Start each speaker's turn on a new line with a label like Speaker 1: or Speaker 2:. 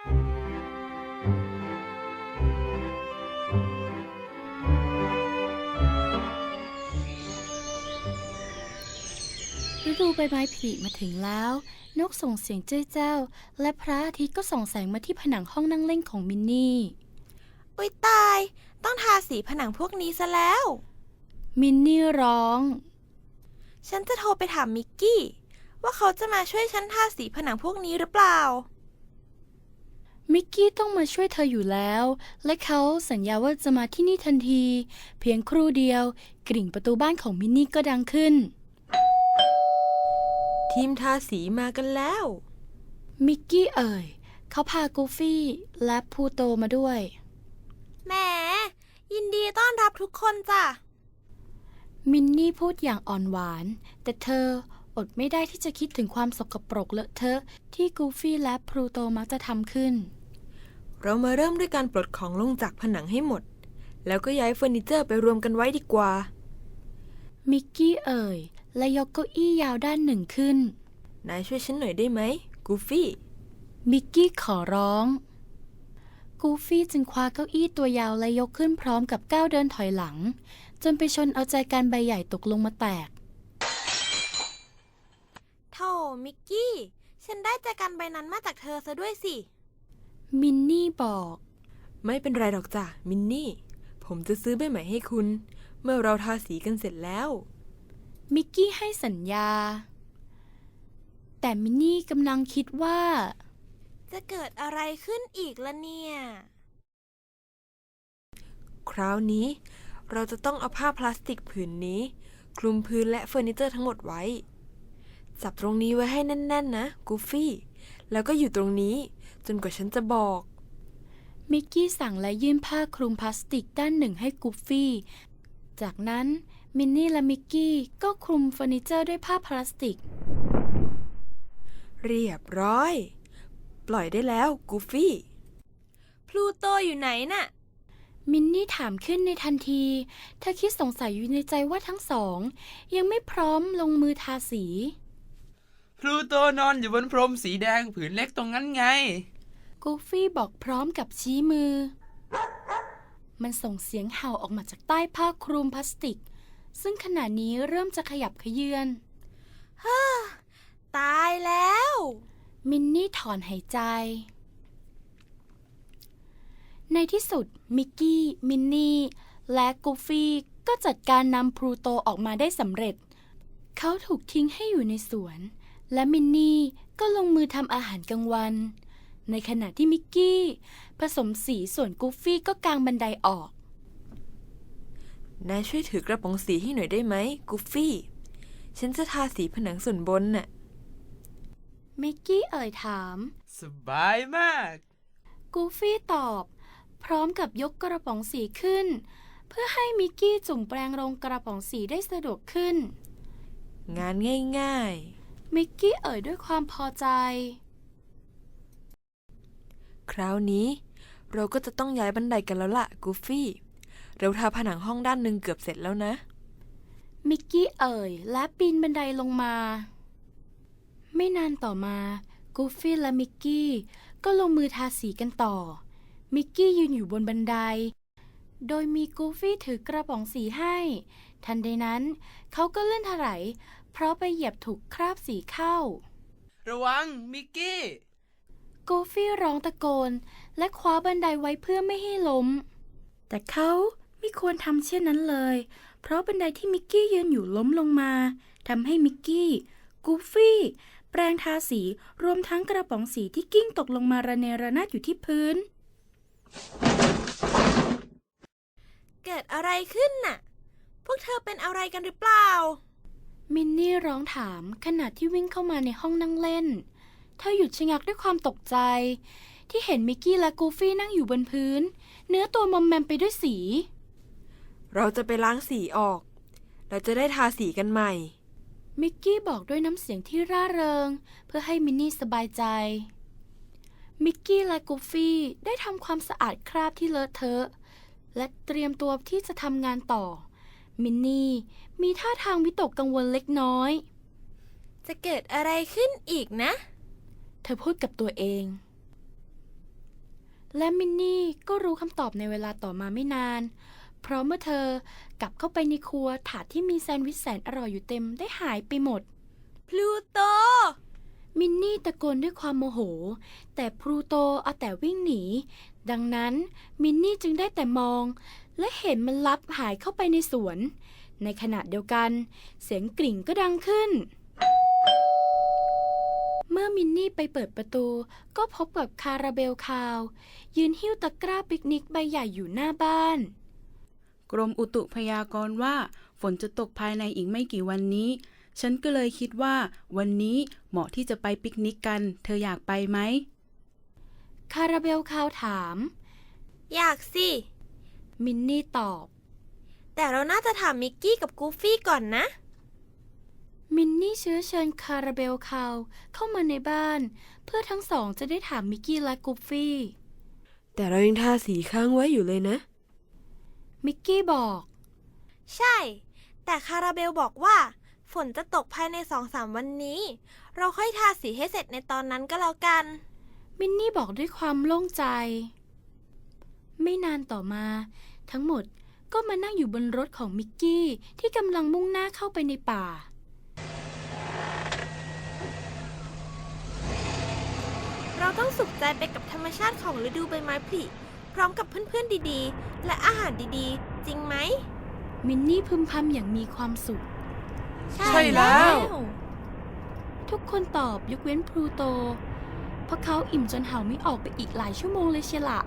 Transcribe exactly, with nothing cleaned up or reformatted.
Speaker 1: ฤดูใบไม้ผลิมาถึงแล้วนกส่งเสียงเจ้ยแจ้วและพระอาทิตย์ก็ส่องแสงมาที่ผนังห้องนั่งเล่นของมินนี่
Speaker 2: อุ๊ยตายต้องทาสีผนังพวกนี้ซะแล้ว
Speaker 1: มินนี่ร้อง
Speaker 2: ฉันจะโทรไปถามมิกกี้ว่าเขาจะมาช่วยฉันทาสีผนังพวกนี้หรือเปล่า
Speaker 1: มิกกี้ต้องมาช่วยเธออยู่แล้วและเขาสัญญาว่าจะมาที่นี่ทันทีเพียงครู่เดียวกริ่งประตูบ้านของมินนี่ก็ดังขึ้น
Speaker 2: ทีมทาสีมากันแล้ว
Speaker 1: มิกกี้เอ่ยเขาพากูฟี่และพูโตมาด้วย
Speaker 2: แหมยินดีต้อนรับทุกคนจ้ะ
Speaker 1: มินนี่พูดอย่างอ่อนหวานแต่เธออดไม่ได้ที่จะคิดถึงความสกปรกเลอะเทอะที่กูฟี่และพลูโตมักจะทำขึ้น
Speaker 2: เรามาเริ่มด้วยการปลดของลงจากผนังให้หมดแล้วก็ย้ายเฟอร์นิเจอร์ไปรวมกันไว้ดีกว่า
Speaker 1: มิกกี้เอ่ยและยกเก้าอี้ยาวด้านหนึ่งขึ้น
Speaker 2: นายช่วยฉันหน่อยได้ไหมกูฟี่
Speaker 1: มิกกี้ขอร้องกูฟี่จึงคว้าเก้าอี้ตัวยาวและยกขึ้นพร้อมกับก้าวเดินถอยหลังจนไปชนเอาใจกันใบใหญ่ตกลงมาแตก
Speaker 2: โธ่มิกกี้ฉันได้แจกันใบนั้นมาจากเธอซะด้วยสิ
Speaker 1: มินนี่บอก
Speaker 2: ไม่เป็นไรหรอกจ้ะมินนี่ผมจะซื้อใบใหม่ให้คุณเมื่อเราทาสีกันเสร็จแล้ว
Speaker 1: มิกกี้ให้สัญญาแต่มินนี่กำลังคิดว่า
Speaker 2: จะเกิดอะไรขึ้นอีกล่ะเนี่ยคราวนี้เราจะต้องเอาผ้าพลาสติกผืนนี้คลุมพื้นและเฟอร์นิเจอร์ทั้งหมดไว้จับตรงนี้ไว้ให้แน่นๆนะกูฟี่แล้วก็อยู่ตรงนี้จนกว่าฉันจะบอก
Speaker 1: มิกกี้สั่งและยื่นผ้าคลุมพลาสติกด้านหนึ่งให้กูฟี่จากนั้นมินนี่และมิกกี้ก็คลุมเฟอร์นิเจอร์ด้วยผ้าพลาสติก
Speaker 2: เรียบร้อยปล่อยได้แล้วกูฟี่พลูโตอยู่ไหนน่ะ
Speaker 1: มินนี่ถามขึ้นในทันทีเธอคิดสงสัยอยู่ในใจว่าทั้งสองยังไม่พร้อมลงมือทาสี
Speaker 3: พลูโตนอนอยู่บนพรมสีแดงผืนเล็กตรงนั้นไง
Speaker 1: กูฟี่บอกพร้อมกับชี้มือมันส่งเสียงเห่าออกมาจากใต้ผ้าคลุมพลาสติกซึ่งขณะนี้เริ่มจะขยับเขยื้อน
Speaker 2: ฮ่าตายแล้ว
Speaker 1: มินนี่ถอนหายใจในที่สุดมิกกี้มินนี่และกูฟี่ก็จัดการนำพลูโตออกมาได้สำเร็จเขาถูกทิ้งให้อยู่ในสวนและมินนี่ก็ลงมือทำอาหารกลางวันในขณะที่มิกกี้ผสมสีส่วนกูฟี่ก็กางบันไดออก
Speaker 2: นายช่วยถือกระป๋องสีให้หน่อยได้ไหมกูฟี่ฉันจะทาสีผนังส่วนบนน่ะ
Speaker 1: มิกกี้เอ่ยถาม
Speaker 3: สบายมาก
Speaker 1: กูฟี่ตอบพร้อมกับยกกระป๋องสีขึ้นเพื่อให้มิกกี้จุ่มแปรงลงกระป๋องสีได้สะดวกขึ้น
Speaker 2: งานง่าย
Speaker 1: ๆมิกกี้เอ่ยด้วยความพอใจ
Speaker 2: คราวนี้เราก็จะต้องย้ายบันไดกันแล้วล่ะกูฟี่เราทาผนังห้องด้านหนึ่งเกือบเสร็จแล้วนะ
Speaker 1: มิกกี้เอ่ยและปีนบันไดลงมาไม่นานต่อมากูฟี่และมิกกี้ก็ลงมือทาสีกันต่อมิกกี้ยืนอยู่บนบันไดโดยมีกูฟี่ถือกระป๋องสีให้ทันใดนั้นเขาก็เลื่อนถลายเพราะไปเหยียบถูกคราบสีเข้า
Speaker 3: ระวังมิกกี้
Speaker 1: กูฟี่ร้องตะโกนและคว้าบันไดไว้เพื่อไม่ให้ล้มแต่เขาไม่ควรทำเช่นนั้นเลยเพราะบันไดที่มิกกี้ยืนอยู่ล้มลงมาทำให้มิกกี้กูฟี่แปรงทาสีรวมทั้งกระป๋องสีที่กิ้งตกลงมาระเนระนาดอยู่ที่พื้น
Speaker 2: เกิดอะไรขึ้นน่ะพวกเธอเป็นอะไรกันหรือเปล่า
Speaker 1: มินนี่ร้องถามขณะที่วิ่งเข้ามาในห้องนั่งเล่นเธอหยุดชะงักด้วยความตกใจที่เห็นมิกกี้และกูฟี่นั่งอยู่บนพื้นเนื้อตัวมอมแมมไปด้วยสี
Speaker 2: เราจะไปล้างสีออกเราจะได้ทาสีกันใหม่
Speaker 1: มิกกี้บอกด้วยน้ำเสียงที่ร่าเริงเพื่อให้มินนี่สบายใจมิกกี้และกูฟี่ได้ทำความสะอาดคราบที่เลอะเทอะและเตรียมตัวที่จะทำงานต่อมินนี่มีท่าทางวิตกกังวลเล็กน้อย
Speaker 2: จะเกิดอะไรขึ้นอีกนะ
Speaker 1: เธอพูดกับตัวเองและมินนี่ก็รู้คำตอบในเวลาต่อมาไม่นาน เพราะเมื่อเธอกลับเข้าไปในครัวถาดที่มีแซนด์วิชแสนอร่อยอยู่เต็มได้หายไปหมด
Speaker 2: พลูโต
Speaker 1: มินนี่ตะโกนด้วยความโมโห แต่พลูโตเอาแต่วิ่งหนี ดังนั้นมินนี่จึงได้แต่มอง และเห็นมันลับหายเข้าไปในสวน ในขณะเดียวกัน เสียงกริ่งก็ดังขึ้น เมื่อมินนี่ไปเปิดประตู ก็พบกับคาราเบลคาว ยืนหิ้วตะกร้าปิกนิกใบใหญ่อยู่หน้าบ้าน
Speaker 4: กรมอุตุพยากรณ์ว่าฝนจะตกภายในอีกไม่กี่วันนี้ ฉันก็เลยคิดว่าวันนี้เหมาะที่จะไปปิกนิกกัน เธออยากไปไหม
Speaker 1: คาราเบลคาวถาม
Speaker 2: อยากสิ
Speaker 1: มินนี่ตอบ
Speaker 2: แต่เราน่าจะถามมิกกี้กับกูฟี่ก่อนนะ
Speaker 1: มินนี่เชื้อเชิญคาราเบลคาวเข้ามาในบ้าน เพื่อทั้งสองจะได้ถามมิกกี้และกูฟี่
Speaker 2: แต่เรายังทาสีค้างไว้อยู่เลยนะ
Speaker 1: มิกกี้บอก
Speaker 2: ใช่ แต่คาราเบลบอกว่า ฝนจะตกภายในสองสามวันนี้ เราค่อยทาสีให้เสร็จในตอนนั้นก็แล้วกัน
Speaker 1: มินนี่บอกด้วยความโล่งใจ ไม่นานต่อมา ทั้งหมดก็มานั่งอยู่บนรถของมิกกี้ที่กำลังมุ่งหน้าเข้าไปในป่า
Speaker 2: เราต้องสุขใจไปกับธรรมชาติของฤดูใบไม้ผลิพร้อมกับเพื่อนๆดีๆ และอาหารดีๆ จริงไหม
Speaker 1: มินนี่พึมพำอย่างมีความสุข
Speaker 3: ใช่แล้ว
Speaker 1: ทุกคนตอบยกเว้นพลูโต เพราะเขาอิ่มจนเห่าไม่ออกไปอีกหลายชั่วโมงเลยเชียวละ